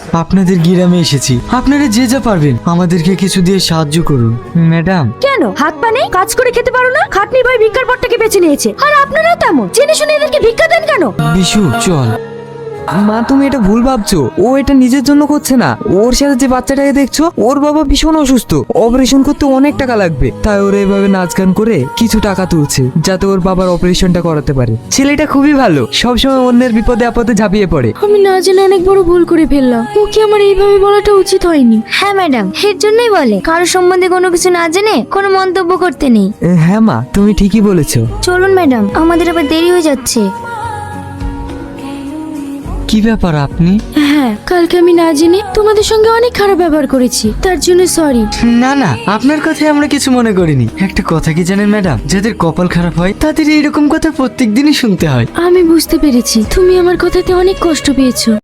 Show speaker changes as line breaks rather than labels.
আপনাদের গ্রামে এসেছি, আপনারা যে যা পারবেন আমাদেরকে কিছু দিয়ে সাহায্য করুন। ম্যাডাম,
কেন হাত পা নেই? কাজ করে খেতে পারো না? খাটনি ভাই ভিক্ষার পথটাকে বেছে নিয়েছে, আর আপনারাও তেমন জেনে শুনে এদেরকে ভিক্ষা দেন কেন?
বিশু চল।
মা, তুমি এটা ভুল ভাবছো। ও এটা নিজের জন্য করছে না। ওর সাথে যে বাচ্চাটাকে দেখছো, ওর বাবা ভীষণ অসুস্থ, অপারেশন করতে অনেক টাকা লাগবে, তাই ওরা এভাবে নাচ গান করে কিছু টাকা তুলছে যাতে ওর বাবার অপারেশনটা করাতে পারে। ছেলেটা খুবই ভালো, সবসময় অন্যের বিপদে আপদে ঝাঁপিয়ে পড়ে।
আমি না জেনে অনেক বড় ভুল করে ফেললাম, ওকে আমার এইভাবে বলাটা উচিত হয়নি।
হ্যাঁ ম্যাডাম, এর জন্যই বলে কারো সম্বন্ধে কোনো কিছু না জেনে কোনো মন্তব্য করতে নেই।
হ্যাঁ মা, তুমি ঠিকই বলেছো।
চলুন ম্যাডাম, আমাদের আবার দেরি হয়ে যাচ্ছে।
কি ব্যাপার আপনি?
হ্যাঁ, কালকে আমি না জেনে তোমাদের সঙ্গে অনেক খারাপ ব্যবহার করেছি, তার জন্য সরি।
না না, আপনার কথায় আমরা কিছু মনে করিনি। একটা কথা কি জানেন ম্যাডাম, যাদের কপাল খারাপ হয় তাদের এইরকম কথা প্রত্যেক দিনই শুনতে হয়।
আমি বুঝতে পেরেছি তুমি আমার কথাতে অনেক কষ্ট পেয়েছো।